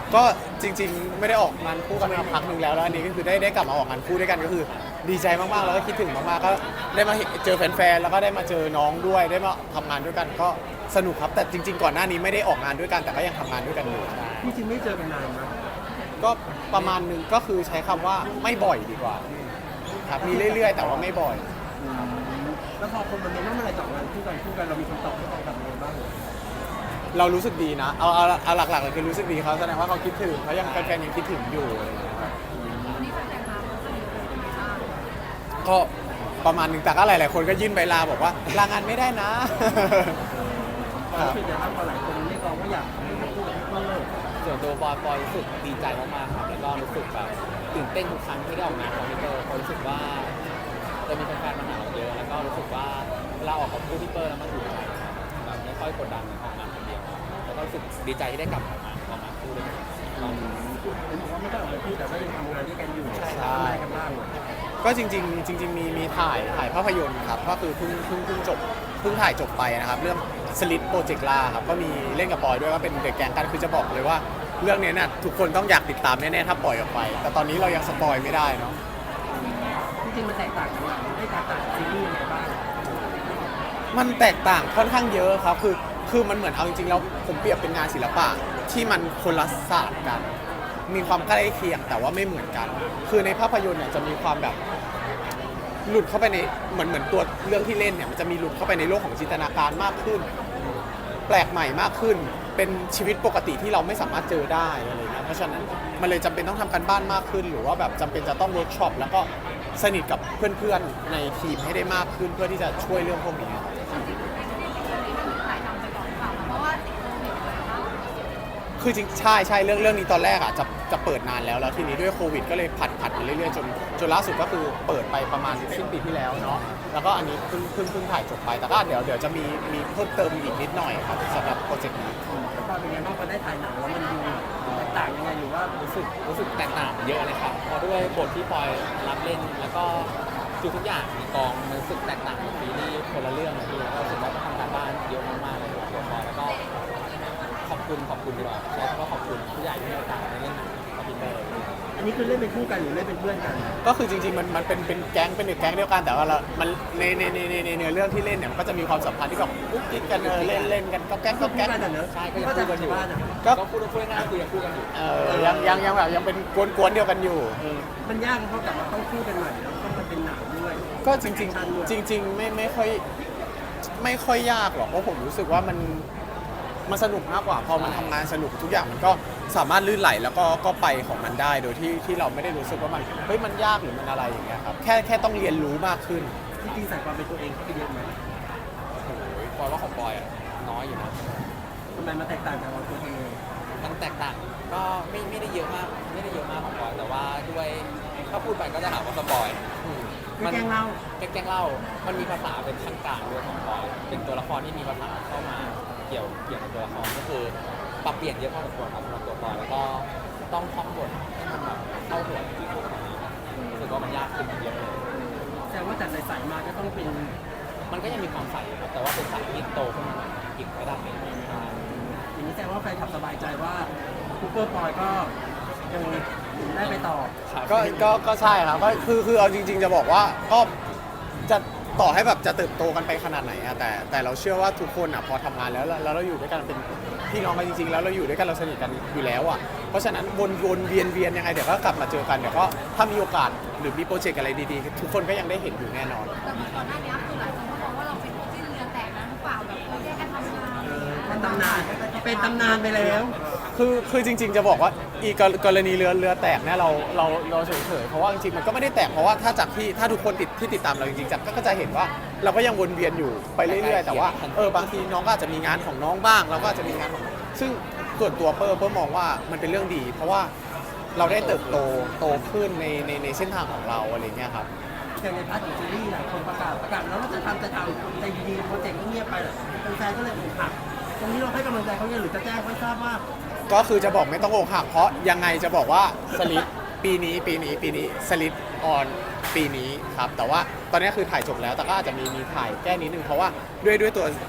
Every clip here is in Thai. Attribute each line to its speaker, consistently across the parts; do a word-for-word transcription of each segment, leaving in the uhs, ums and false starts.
Speaker 1: ก็จริงๆไม่ได้ออกงานคู่กันมาพักหนึ่งแล้วแล้วอันนี้ก็คือได้ได้กลับมาออกงานคู่ด้วยกันก็คือดีใจมากๆแล้วก็คิดถึงมากๆก็ได้มาเจอแฟนๆแล้วก็ได้มาเจอน้องด้วยได้มาทำงานด้วยกันก็สนุกครับแต่จริงๆก่อนหน้านี้ไม่ได้ออกงานด้วยกันแต่ก็ยังทำงานด้วยกันอยู่
Speaker 2: พี่จริงไม่เจอกันนานนะ
Speaker 1: ก็ประมาณหนึ่งก็คือใช้คำว่าไม่บ่อยดีกว่าครับมีเรื่อยๆ แต่ว่าไม่บ่อย
Speaker 2: แล้วพอคนมันเน้นว่าเมื่อไหรจะออกงานคู่กันคู่กันเรามีคำตอบให้เขาแบบนี้บ้างเหรอ
Speaker 1: เรารู้สึกดีนะเอาเอาเอาหลักๆเลยคือรู้สึกดีเขาแสดงว่าเขาคิดถึงเขายังแฟนๆยังคิดถึงอยู่อะไรอย่างเงี้ยครับ
Speaker 3: วันนี้แฟนๆมาเขาสนิทเลยใช่ไหมบ้าง
Speaker 1: ก็ประมาณหนึ่งแต่ก็หลายๆคนก็ยื่นใบลาบอกว่าลางานไม่ได้นะ
Speaker 2: เราคิดอย่างนั้นพอหลายคนเรียกร้องว่าอยากให้คู่กับพี่เปิ้ล
Speaker 4: ส่วนตัวปอยปอยรู้สึกดีใจมากๆครับแล้วก็รู้สึกแบบตื่นเต้นทุกครั้งที่ได้ออกงานของพี่เตอร์เพราะรู้สึกว่าจะมีแฟนๆมาหาเราเยอะแล้วก็รู้สึกว่าเวลาออกกับคู่พี่เตอร์แล้วมันถูกใจครับแบบไม่ค่อยกดดันในออกงานคนเดียวแล้วก็รู้สึกดีใจที่ได้กลับมาออกงานคู่ด้วยกันรอบนี้
Speaker 2: เห็นบอกว่าไม่ได้ออกมาคู่แต่ก็ยังทำงานด้วยกันอยู่
Speaker 1: ใช่
Speaker 2: ทำอะไรกันบ้างเหรอ
Speaker 1: ก็จริงๆจริงๆมีมีถ่ายถ่ายภาพยนตร์ครับก็คือเพิ่งเพิ่งเพิ่งจบเพิ่งถ่ายจบไปนะครับเรื่องสลิดโปรเจกต์ล่าครับก็มีเล่นกับปอยด้วยก็เป็นเด็กแก๊งกันคือจะบอกเลยว่าเรื่องนี้น่ะทุกคนต้องอยากติดตามแน่ๆถ้าปล่อยออกไป แต่ตอนนี้เรายังสปอยไม่ได้เนาะ
Speaker 2: จริงๆมันแตกต่างกันไม่แตกต่างจากซีรีส์ยังไงบ้าง
Speaker 1: มันแตกต่างค่อนข้างเยอะครับคือคือมันเหมือนเอาจริงๆแล้วผมเปรียบเป็นงานศิลปะที่มันคนละศาสตร์กัน มีความใกล้เคียงแต่ว่าไม่เหมือนกัน คือในภาพยนตร์เนี่ยจะมีความแบบหลุดเข้าไปในเหมือนเหมือนตัวเรื่องที่เล่นเนี่ยมันจะมีหลุดเข้าไปในโลกของจินตนาการมากขึ้น แปลกใหม่มากขึ้น เป็นชีวิตปกติที่เราไม่สามารถเจอได้อะไรเงี้ยเพราะฉะนั้นมันเลยจำเป็นต้องทำการบ้านมากขึ้น หรือว่าแบบจำเป็นจะต้องเวิร์กช็อปแล้วก็สนิทกับเพื่อนๆในทีมให้ได้มากขึ้นเพื่อที่จะช่วยเรื่องพวกนี้ครับ
Speaker 3: ถ่ายทำไปก่อนค่ะเพราะว่าติดโควิดเลยนะคะ
Speaker 1: คือจริงใช่ใช่เรื่องเรื่องนี้ตอนแรกอ่ะจะจะเปิดนานแล้วแล้วทีนี้ด้วยโควิดก็เลยผัดผัดมาเรื่อยๆจนจนล่าสุดก็คือเปิดไปประมาณสิ้นปีที่แล้วเนาะแล้วก็อันนี้เพิ่งเพิ่งเพิ่งถ่ายจบไปแต่ก็เดี๋ยวเดี๋ยวจะมีมีเพิ่มเติมอีกนิดหน่อยครับสำหรับโปรเจกต์นี้
Speaker 2: แล้วพอเป็นไงบ้างพอได้ถ่ายหนังแล้วมันดูแตกต่างยังไงหรือว่า
Speaker 4: รู้สึกรู้สึกแตกต่างเยอะเลยครับเพราะด้วยบทที่ปอยรับเล่นแล้วก็ทุกทุกอย่างในกองมันรู้สึกแตกต่างจากซีรีส์คนละเรื่องเลยพี่แล้วก็รู้สึกว่าต้องทำการบ้านเยอะมากๆเลยครับตัวปอยแล้วก็ขอบคุณขอบคุณดีกว่าใช้คำว่าขอบคุณผู้ใหญ่ที่ให้โอกาสในเล่นหนังกับพี่เตอร์
Speaker 2: อันนี้คือเล่นเป็นคู่กันหรือเล่นเป็นเพื่อนกัน
Speaker 1: ก็คือจริงๆมันมันเป็นเป็นแก๊งเป็นแก๊งเดียวกันแต่ว่าเรามันในในในในในเนื้อเรื่องที่เล่นเนี่ยมันก็จะมีความสัมพันธ์ที่แบบกุ๊กกิ๊กกันเออเล่นเล่นกันก็แก๊งก็แก๊ง
Speaker 2: กันอะเนอะ
Speaker 4: ใช่ก็ยังคู่กันอยู่
Speaker 2: บ้านอะ
Speaker 1: ก็
Speaker 4: ก็พูดพูดง่ายๆคือยังคู่กันอยู่
Speaker 1: เออยังยังยังแบบยังเป็นกวนๆเดียวกันอยู่
Speaker 2: เออมันยากเพราะกลับมาต้องคู่กันใหม่แล้วต้องมาเป็นหนังด้วย
Speaker 1: ก็จริงๆจริง ๆ ไม่ไม่ค่อยไม่ค่อยยากหรอกเพราะผมรู้สึกว่ามันมันสนุกมากกว่าพอมันทำงานสนุกทุกอย่างมันก็สามารถลื่นไหลแล้วก็ก็ไปของมันได้โดยที่ที่เราไม่ได้รู้สึกว่ามันเฮ้ยมันยากหรือมันอะไรอย่างเงี้ยครับแค่แค่ต้องเรียนรู้มากขึ้น
Speaker 2: จริงๆใส่ความเป็นตัวเองเข้าไปเยอะไหม
Speaker 4: โอ้โหปอยว่าของปอยอะน้อยอยู่นะ
Speaker 2: ทำไมมันแตกต่างจากเราตัวเอง
Speaker 4: มันแตกต่างก็ไม่ไม่ได้เยอะมากไม่ได้เยอะมากของปอยแต่ว่าด้วยถ้าพูดไปก็จะหาว่าสปอย
Speaker 2: ไม่แกล้งเล่า
Speaker 4: แกล้งเล่ามันมีภาษาเป็นขั้นกลางด้วยของปอยเป็นตัวละครที่มีภาษาเข้ามาเกี่ยวเกี่ยวกับตัวละครก็คือปรับเปลี่ยนเยอะพอสมควรครับสำหรับตัวปอยแล้วก็ต้องท่องบทให้มันแบบเข้าหัวจริงๆรู้สึกว่ามันยากขึ้นเยอะเลย
Speaker 2: แสดงว่าจากใสๆมาก็ต้องเป็น
Speaker 4: มันก็ยังมีความใสครับแต่ว่าเป็นใสที่โตขึ้นมาหน่อยอีกระดับหนึ่งใช่
Speaker 2: อย่างนี้แสดงว่าแฟนขับสบายใจว่าคูเปอร์ปอยก็ยังได้ไปต่อ
Speaker 1: ก็ก็ก็ใช่ครับก็คือคือเอาจริง ๆ จะบอกว่าก็จะต่อให้แบบจะเติบโตกันไปขนาดไหนอะแต่แต่เราเชื่อว่าทุกคนอะพอทำงานแล้วแล้วเราอยู่ด้วยกันเป็นพี่น้องกันจริงๆแล้วเราอยู่ด้วยกันเราสนิทกันอยู่แล้วอะเพราะฉะนั้นวนวนเวียนเวียนยังไงเดี๋ยวก็กลับมาเจอกันเดี๋ยวก็ถ้ามีโอกาสหรือมีโปรเจกต์อะไรดีๆ ทุกคนก็ยังได้เห็นอยู่แน่นอน
Speaker 3: แต่เหมือนก่อนหน้านี้คือหลายคนก็มองว่าเราเป็นคู่จิ้นเรือแตกนะหรือเปล่าแบบเราแยกกันทำงานอะไรอย่างเงี้ย
Speaker 2: มันตำนานเป็นตำนานไปแล้ว
Speaker 1: คือคือจริง ๆ จะบอกว่าอีกกรณีเรือเรือแตกเนี่ยเราเราเราเฉยๆเพราะว่าจริงๆมันก็ไม่ได้แตกเพราะว่าถ้าจากที่ถ้าทุกคนติดที่ติดตามเราจริงๆจากก็จะเห็นว่าเราก็ยังวนเวียนอยู่ไปเรื่อยๆแต่ว่าเออบางทีน้องก็อาจจะมีงานของน้องบ้างเราก็อาจจะมีงานของซึ่งส่วนตัวเปิ้ลเปิ้ลมองว่ามันเป็นเรื่องดี เพราะว่าเราได้เติบโตโตขึ้นในในในเส้นทางของเราอะไรเงี้ยครับ
Speaker 2: อย่างในพาร์ทของซีรีส์หลายคนประกาศประกาศแล้วเราจะทำจะทำแต่ดีๆโปรเจกต์ก็เงียบไปแหละแฟนๆก็เลยอกหักตรงนี้เราให้กำลังใจเขายังหรือจะแจ้งไม่ทราบว่า
Speaker 1: ก็คือจะบอกไม่ต้องอกหักเพราะยังไงจะบอกว่าสลิดปีนี้ปีนี้ปีนี้สลิดออนปีนี้ครับแต่ว่าตอนนี้คือถ่ายจบแล้วแต่ก็อาจจะมีมีถ่ายแก้นิดนึงเพราะว่าด้วยด้วยตัว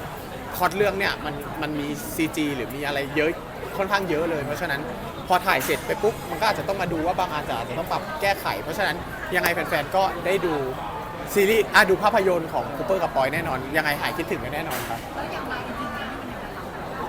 Speaker 1: พล็อตเรื่องเนี่ยมันมันมี ซี จี หรือมีอะไรเยอะค่อนข้างเยอะเลยเพราะฉะนั้นพอถ่ายเสร็จไปปุ๊บมันก็อาจจะต้องมาดูว่าบางอันจะอาจจะต้องปรับแก้ไข เพราะฉะนั้นยังไงแฟนๆก็ได้ดูซีรีส์อ่ะดูภาพยนตร์ของคูเปอร์กับปอยแน่นอนยังไงหายคิดถึงกันแน่นอนครับ
Speaker 3: แล้วอย่างไรจริงๆแล้วมันเป็นยังไงเรา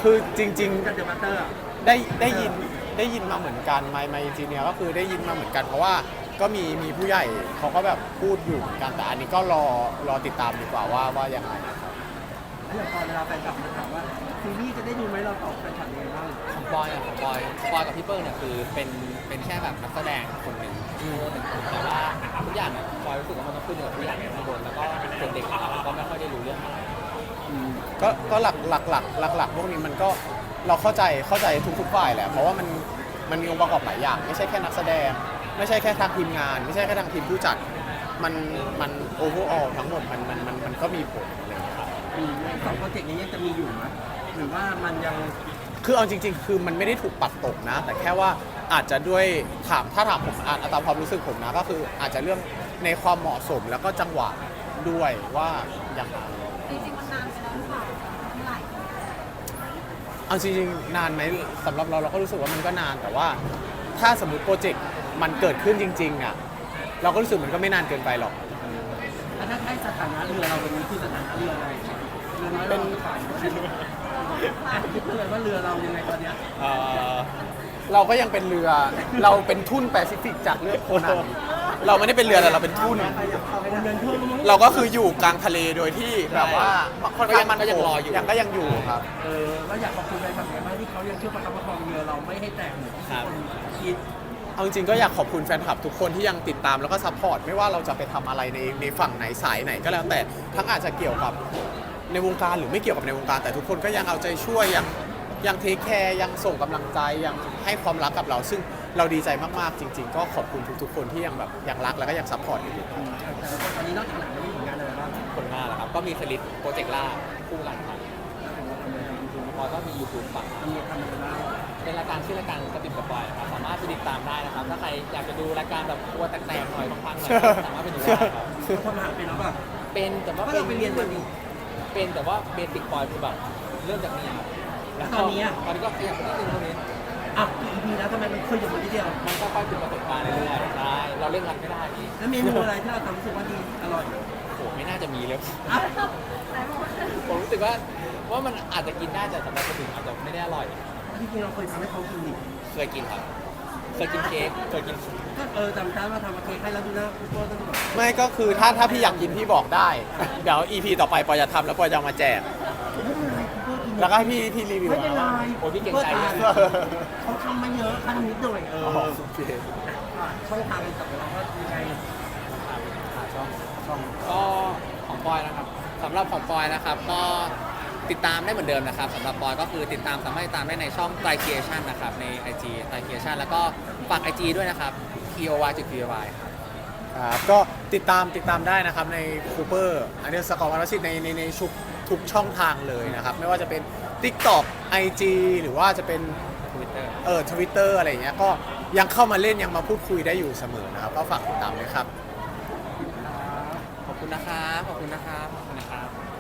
Speaker 1: คือจริง
Speaker 2: กับเดอะมาสเตอร์
Speaker 1: ๆได้ได้ยินได้ยินมาเหมือนกันไมไมจีเนียก็คือได้ยินมาเหมือนกัน เพราะว่าก็มีมีผู้ใหญ่เขาก็แบบพูดอยู่เหมือนกันแต่อันนี้ก็รอรอติดตามดีกว่าว่าว่ายังไงครับ
Speaker 2: แล้วอย่างตอนเวลาแฟนคลับมาถามว่าซีรีส์จะได้ดูไหมเราตอบแฟนคลับยังไงบ้าง
Speaker 4: ของบอยอะของบอยบอยกับพี่เปิ้ลเนี่ยคือเป็นเป็นแค่แบบนักแสดงคนหนึ่งหนึ่งคนแต่ว่าทุกอย่างเนี่ยบอยรู้สึกว่ามันต้องขึ้นอยู่กับผู้ใหญ่ในข้างบนแล้วก็เด็กๆอะก็ไม่ค่อยได้รู้เรื่องอะไร
Speaker 1: ก็ก็หลักหลักหลักหลักหลักพวกนี้มันก็เราเข้าใจเข้าใจทุกๆฝ่ายแหละเพราะว่ามันมันมีองค์ประกอบหลายอย่าง ไม่ใช่แค่นักแสดง ไม่ใช่แค่ทางทีมงาน ไม่ใช่แค่ทางทีมผู้จัดมันมันโอเวอร์ออลทั้งหมดมันมันมันมันก็มีผลอะไรอย่างเงี้ยครับ
Speaker 2: อืมสองโปรเจกต์นี้ยังจะมีอยู่ไหมหรือว่ามันยัง
Speaker 1: คือเอาจริง ๆ คือมันไม่ได้ถูกปัดตกนะ แต่แค่ว่าอาจจะด้วยถามถ้าถามผมอ่านตามความรู้สึกผมนะก็คืออาจจะเรื่องในความเหมาะสมแล้วก็จังหวะด้วยว่าอย่างไร
Speaker 3: จริงๆมันนานไปแล้วหรือเปล่าเมื่อไหร่
Speaker 1: เอาจริงๆนานไหมสำหรับเราเราก็รู้สึกว่ามันก็นานแต่ว่าถ้าสมมติโปรเจกต์มันเกิดขึ้นจริงๆอ่ะเราก็รู้สึกมันก็ไม่นานเกินไปหรอก
Speaker 2: แล้วถ้าให้สถานะเรือเราวันนี้คือสถานะเรืออะไรเรือน้อย
Speaker 1: เป็น
Speaker 2: เราฝ่ายอ่ะคิดเลยว่าเรือเรายังไงตอนเนี้ย
Speaker 1: เอ่อเราก็ยังเป็นเรือเราเป็นทุ่นแปซิฟิกจากเรือโคนันเราไม่ได้เป็นเรือแต่เราเป็นทุ่น
Speaker 2: เดินทั่วมั้ง
Speaker 1: เราก็คืออยู่กลางทะเลโดยที่แบบว่าค่อนข้างมัน
Speaker 4: ก็ยังรออยู่
Speaker 1: ยังก็ยังอยู่ครับ
Speaker 2: เออเราอยากขอบคุณแฟนคลับยังไงบ้างที่เขายังช่วยประคับประคองเรือเราไม่ให้แตกเหมือนที่คนคิด
Speaker 1: เอาจริงๆก็อยากขอบคุณแฟนคลับทุกคนที่ยังติดตามแล้วก็ซัพพอร์ตไม่ว่าเราจะไปทำอะไรในในฝั่งไหนสายไหนก็แล้วแต่ทั้งอาจจะเกี่ยวกับในวงการหรือไม่เกี่ยวกับในวงการ แต่ทุกคนก็ยังเอาใจช่วยยังยังเทคแคร์ยังส่งกำลังใจยังให้ความรักกับเรา ซึ่งเราดีใจมากๆจริง ๆ ก็ขอบคุณทุกๆคนที่ยังแบบยังรักแล้วก็ยังซัพพอร์ตอยู่
Speaker 2: แต่ละคนตอนนี้นอกจากหนังแล้วมีผลงานอะไรบ้าง
Speaker 4: ผลงานเหรอครับก็มีสลิดโปรเจกต์ล่าคู่กันครับ
Speaker 2: แล้วผมว่าทำอะไรทำยูทูบบ
Speaker 4: อยก็มี YouTube ฝั่ง
Speaker 2: ทำทำอะไรบ้าง
Speaker 4: เป็นรายการชื่อรายการกระปิบกระปอยครับสามารถไปติดตามได้นะครับ ถ้าใครอยากจะดูรายการแบบครัวแตกๆหน่อยพังๆหน่อยก็สามารถไปดูได้ครับ
Speaker 2: เขาทำอาหารเป็นหรือเปล่า
Speaker 4: เป็นแต่ว่า
Speaker 2: เพราะเราไปเรียนมาดิ
Speaker 4: เป็นแต่ว่าเบสิกบอยคือแบบเริ่มจากนี้ครับ
Speaker 2: แล้วตอนนี้อะ
Speaker 4: ตอนนี้ก็ขยับไปนิดนึงตรงนี้
Speaker 2: อ่ะอีพีแล้วทำไมมันเคยอยู่มาทีเดียว
Speaker 4: มันก็ค่อยๆเป็นประสบการณ์เรื่อยๆใช่เราเร่งรัดไม่ได้พี่
Speaker 2: แล้วเมนูอะไรที่เราทำรู้สึกว่าดีอร่อย
Speaker 4: โอ้โหไม่น่าจะมีเลย
Speaker 2: อ่ะ
Speaker 4: ผมรู้สึกว่าว่ามันอาจจะกินได้แต่สำหรับคนอื่นอาจจะไม่ได้อร่อย
Speaker 2: ที่จริงเราเคยทำให้เขากินดิ
Speaker 4: เคยกินครับ เคยกินเค้กเคยกิน
Speaker 2: ก็เออจำได้ว่าทำมาเค้กให้แล้วดูหน้าคุณโก้ต้องแบบ
Speaker 1: ไม่ก็คือถ้าถ้าพี่อยากกินพี่บอกได้ เดี๋ยว อี พี ต่อไปปอยจะทำแล้วปอยจะเอามาแจก
Speaker 2: ไม่เป็นไรคุณโก้กิน
Speaker 1: แล้วก็ให้พี่พี่รีวิว
Speaker 2: ไม่เป็นไร
Speaker 4: โอ้ยพี่เก่งใจ
Speaker 2: คุณ
Speaker 4: เล
Speaker 2: โก้
Speaker 4: ย
Speaker 2: ทานเขาทำมาเยอะทำนิดหน่อยเอ
Speaker 1: อ๋
Speaker 2: อ
Speaker 1: อโอเค
Speaker 2: อ่ะช่องทางการจับเราว่ายังไง
Speaker 4: ช่องช่องก็ของปอยนะครับสำหรับของปอยนะครับก็ติดตามได้เหมือนเดิมนะครับสำหรับปอยก็คือติดตามสามารถติดตามได้ในช่อง t r i Creation นะครับใน ไอ จี t r i Creation แล้วก็ฝาก ไอ จี ด้วยนะครับ ที โอ วาย จุด ที โอ วาย
Speaker 1: ครับก็ติดตามติดตามได้นะครับในคูเปอร์อันเดอร์สกอร์วารสิทธิ์ในในในชุกทุกช่องทางเลยนะครับ ไม่ว่าจะเป็น TikTok ไอ จี หรือว่าจะเป็น
Speaker 4: Twitter
Speaker 1: เออทวิตเตอร์อะไรอย่างเงี้ยก็ยังเข้ามาเล่นยังมาพูดคุยได้อยู่เสมอนะครับ ก็ฝากติดตามด้วยครับ
Speaker 4: ขอบคุณนะครับขอบคุณนะครับขอบคุณนะครับ